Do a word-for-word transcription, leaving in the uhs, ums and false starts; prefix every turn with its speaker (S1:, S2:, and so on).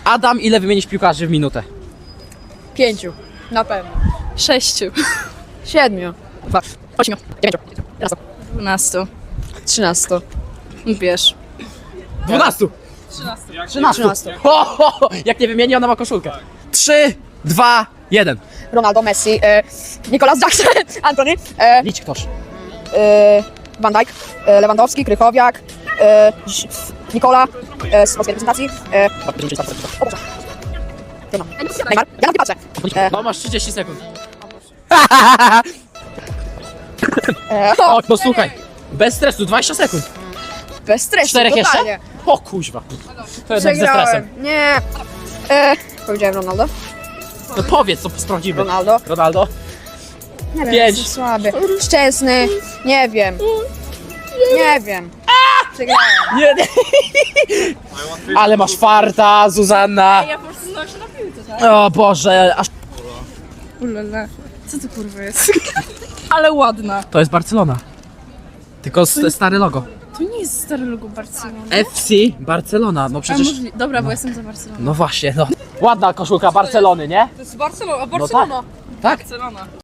S1: Adam, ile wymienisz piłkarzy w minutę?
S2: Pięciu. Na pewno.
S3: Sześciu.
S2: Siedmiu.
S3: Dwa.
S2: Ośmiu. Dziewięciu. Jedenastu.
S3: Dwunastu.
S2: Trzynastu.
S3: Wiesz.
S1: Dwunastu. Trzynastu.
S2: Trzynastu.
S1: Ho, ho, ho. Jak nie wymieni, ona ma koszulkę. Trzy, dwa, jeden.
S2: Ronaldo, Messi, e, Nicolas Jackson, Antony, e,
S1: Licz ktoś.
S2: e, Van Dijk, e, Lewandowski, Krychowiak, e, Ż- Nikola e, z polskiej reprezentacji. E, o Boże. Trudno. Neymar. Ja na nie patrzę. E,
S1: No masz trzydzieści sekund.
S2: e, o,
S1: O, no słuchaj. Bez stresu, dwadzieścia sekund.
S2: bez stresu,
S1: Czterech jeszcze?
S2: totalnie.
S1: O kuźwa. To jednak ze
S2: Przegrałem.
S1: stresem.
S2: Nie. E, powiedziałem Ronaldo.
S1: No powiedz, co sprawdzimy.
S2: Ronaldo.
S1: Ronaldo.
S2: Nie wiem,
S1: Pięć.
S2: jestem słaby. Szczęsny. Nie wiem. Nie wiem. Przegrałem.
S1: Nie, nie. Ale masz farta, Zuzanna.
S3: Ja po prostu znam się na piłce, tak?
S1: O Boże, aż...
S3: Ulala. Co to kurwa jest? Ale ładna.
S1: To jest Barcelona. Tylko s- stare logo.
S3: To nie jest stare logo Barcelony.
S1: F C Barcelona, no
S3: A
S1: przecież...
S3: możli... Dobra, bo jestem za Barceloną.
S1: No właśnie, no. Ładna koszulka Barcelony, nie?
S3: To jest Barcelona, a
S1: Barcelona. Tak?
S3: Barcelona.